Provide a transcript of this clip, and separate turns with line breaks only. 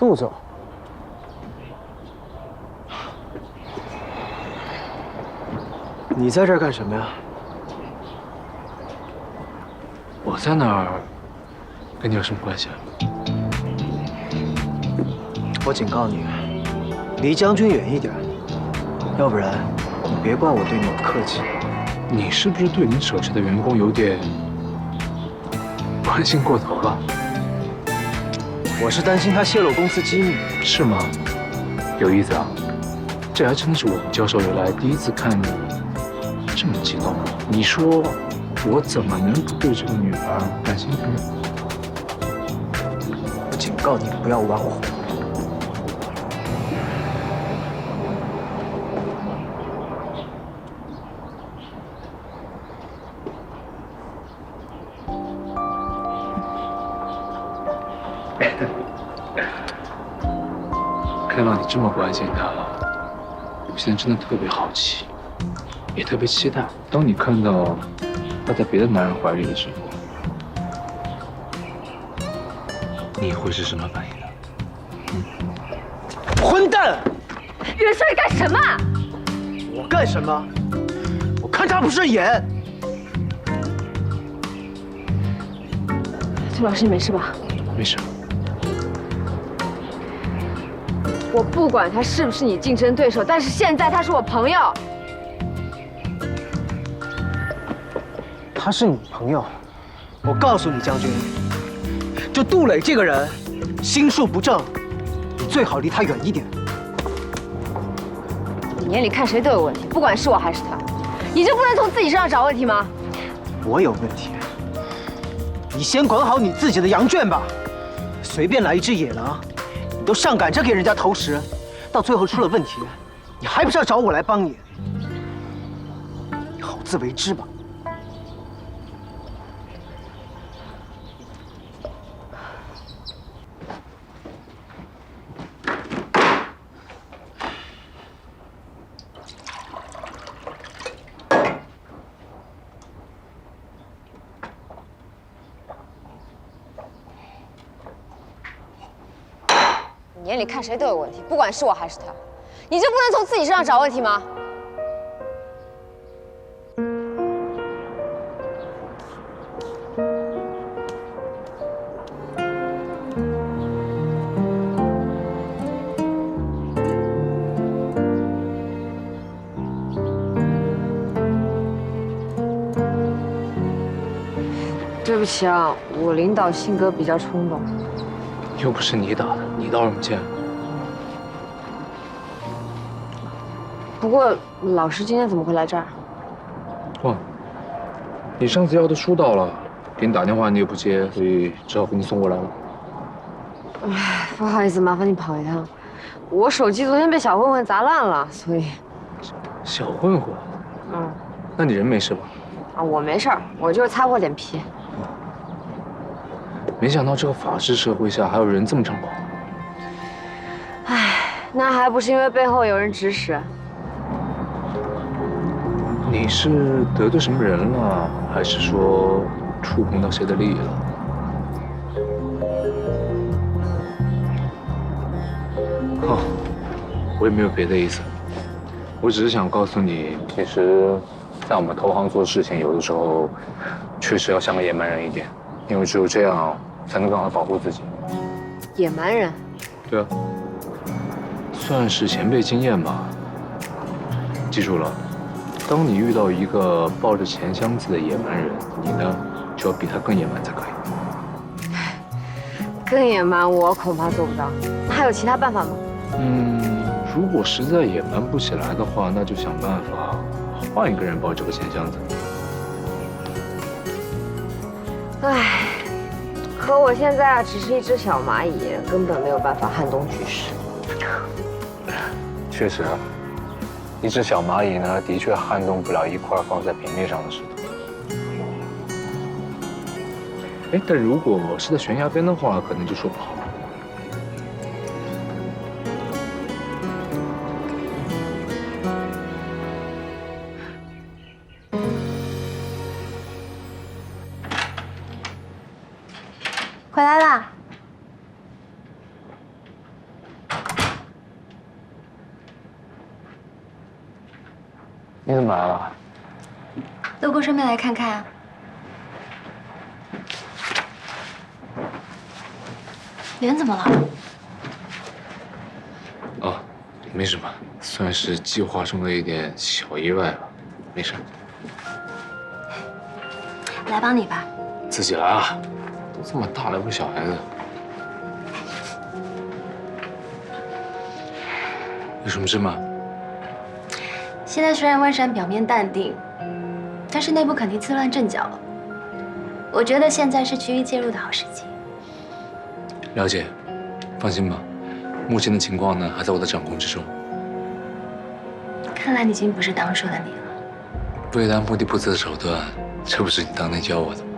杜总，你在这儿干什么呀？
我在哪儿，跟你有什么关系啊？
我警告你，离将军远一点，要不然你别怪我对你不客气。
你是不是对你手下的员工有点关心过头了？
我是担心他泄露公司机密。
是吗？有意思啊！这还真的是我们交手以来第一次看你这么激动。你说我怎么能不对这个女孩感兴趣呢？
我警告你不要玩火。
看到你这么关心她，我现在真的特别好奇，也特别期待。当你看到她在别的男人怀里的时候，你会是什么反应呢？
混蛋！
袁帅干什么？
我干什么？我看他不顺眼。
崔老师，你没事吧？
没事。
我不管他是不是你竞争对手，但是现在他是我朋友。
他是你朋友，我告诉你，将军，这杜磊这个人心术不正，你最好离他远一点。
你眼里看谁都有问题，不管是我还是他，你就不能从自己身上找问题吗？
我有问题，你先管好你自己的羊圈吧。随便来一只野狼，你都上赶着给人家投食，到最后出了问题，你还不是要找我来帮你？你好自为之吧。
你眼里看谁都有问题，不管是我还是他，你就不能从自己身上找问题吗？对不起啊，我领导性格比较冲动。
又不是你打的，你道什么歉？
不过老师今天怎么会来这儿？
哇，你上次要的书到了，给你打电话你也不接，所以只好给你送过来了。
唉，不好意思，麻烦你跑一趟。我手机昨天被小混混砸烂了，所以……
小混混？
嗯，
那你人没事吧？
啊，我没事儿，我就是擦破点皮。
没想到这个法治社会下还有人这么猖狂。
唉，那还不是因为背后有人指使。
你是得罪什么人了，还是说触碰到谁的利益了？哦，我也没有别的意思，我只是想告诉你，其实，在我们投行做事情，有的时候确实要像个野蛮人一点，因为只有这样才能更好的保护自己。
野蛮人？
对啊，算是前辈经验吧。记住了，当你遇到一个抱着钱箱子的野蛮人，你呢就要比他更野蛮才可以。
更野蛮，我恐怕做不到。那还有其他办法吗？
如果实在野蛮不起来的话，那就想办法换一个人抱这个钱箱子。
唉，可我现在啊，只是一只小蚂蚁，根本没有办法撼动局势。
确实啊，一只小蚂蚁呢，的确撼动不了一块放在平面上的石头。哎，但如果是在悬崖边的话，可能就说不好了。
回来啦！
你怎么来了？
路过顺便来看看。脸怎么了？
哦，没什么，算是计划中的一点小意外吧，没事。
来帮你吧。
自己来啊，都这么大了，又不是小孩子。有什么事吗？
现在虽然万山表面淡定，但是内部肯定自乱阵脚了。我觉得现在是区域介入的好时机。
了解，放心吧，目前的情况呢还在我的掌控之中。
看来你已经不是当初的你了。
为达目的不择手段，这不是你当年教我的吗？